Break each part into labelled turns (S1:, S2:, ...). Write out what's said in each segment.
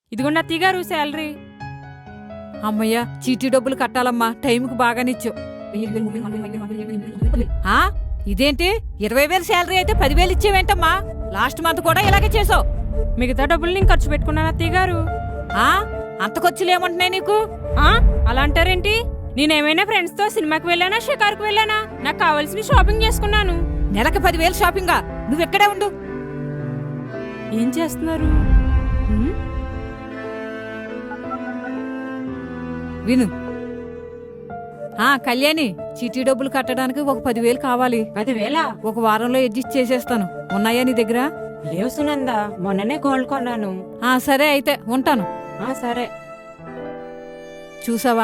S1: ఇదిగోండి అత్తయ్య గారు శాలరీ.
S2: అమ్మయ్య, చీటీ డబ్బులు కట్టాలమ్మా, టైంకి బాగానిచ్చు. ఆ ఇదేంటి 20,000 శాలరీ అయితే 10,000 ఇచ్చేవేంటమ్మా? లాస్ట్ మంత్ కూడా ఇలాగే చేసావు.
S1: మిగతా డబ్బులు నేను ఖర్చు పెట్టుకున్నాను అత్తయ్య గారు.
S2: ఆ అంత ఖర్చులేమంటున్నాయి నీకు?
S1: అలా అంటారేంటి? నేనేమైనా ఫ్రెండ్స్ తో సినిమాకి వెళ్ళానా, షికారుకు వెళ్ళానా? నాకు కావాల్సిన షాపింగ్ చేసుకున్నాను.
S2: నెలకు 10,000 షాపింగా? నువ్వెక్కడే ఉండు.
S1: ఏం చేస్తున్నారు?
S2: విను. కళ్యాణి, చీటీ డబ్బులు కట్టడానికి ఒక 10,000 కావాలి.
S3: 10,000?
S2: ఒక వారంలో అడ్జస్ట్ చేసేస్తాను. ఉన్నాయా నీ దగ్గర?
S3: లేవు సునందా, మొన్ననే గోల్డ్ కొన్నాను.
S2: సరే అయితే ఉంటాను.
S3: సరే.
S2: చూసావా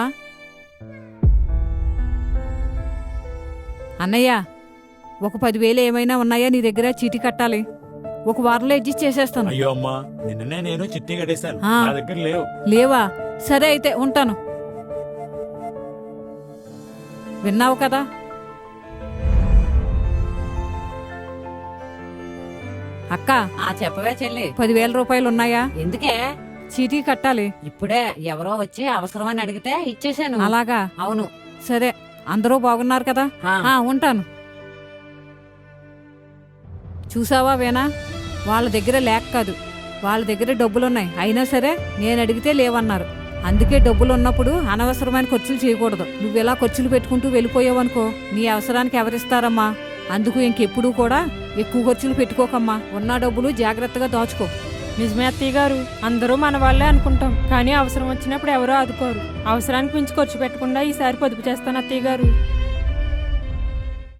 S2: అన్నయ్య, ఒక 10,000 ఏమైనా ఉన్నాయా నీ దగ్గర? చీటీ కట్టాలి. ఒక వారంలో అడ్జస్ట్ చేసేస్తాను.
S4: అయ్యో అమ్మా, నిన్ననే నేను చిట్టి కట్టేశాను, నా దగ్గర లేవు.
S2: లేవా? సరే అయితే ఉంటాను. విన్నావు కదా? అక్క,
S3: చెప్పవే చెల్లి.
S2: 10,000 రూపాయలు ఉన్నాయా?
S3: ఎందుకే?
S2: చీటీ కట్టాలి.
S3: ఇప్పుడే ఎవరో వచ్చి అవసరమని అడిగితే ఇచ్చేసాను.
S2: అలాగా?
S3: అవును.
S2: సరే, అందరూ బాగున్నారు కదా? ఉంటాను. చూసావా వేనా, వాళ్ళ దగ్గర లేక కాదు, వాళ్ళ దగ్గర డబ్బులున్నాయి. అయినా సరే నేను అడిగితే లేవన్నారు. అందుకే డబ్బులు ఉన్నప్పుడు అనవసరమైన ఖర్చులు చేయకూడదు. నువ్వెలా ఖర్చులు పెట్టుకుంటూ వెళ్ళిపోయావనుకో, నీ అవసరానికి ఎవరిస్తారమ్మా? అందుకు ఇంకెప్పుడు కూడా ఎక్కువ ఖర్చులు పెట్టుకోకమ్మా. ఉన్న డబ్బులు జాగ్రత్తగా దాచుకో.
S1: నిజమే అత్తయ్య గారు, అందరూ మన వాళ్ళే అనుకుంటాం, కానీ అవసరం వచ్చినప్పుడు ఎవరో ఆదుకోరు. అవసరానికి మించి ఖర్చు పెట్టకుండా ఈసారి పొదుపు చేస్తాను అత్తయ్య గారు.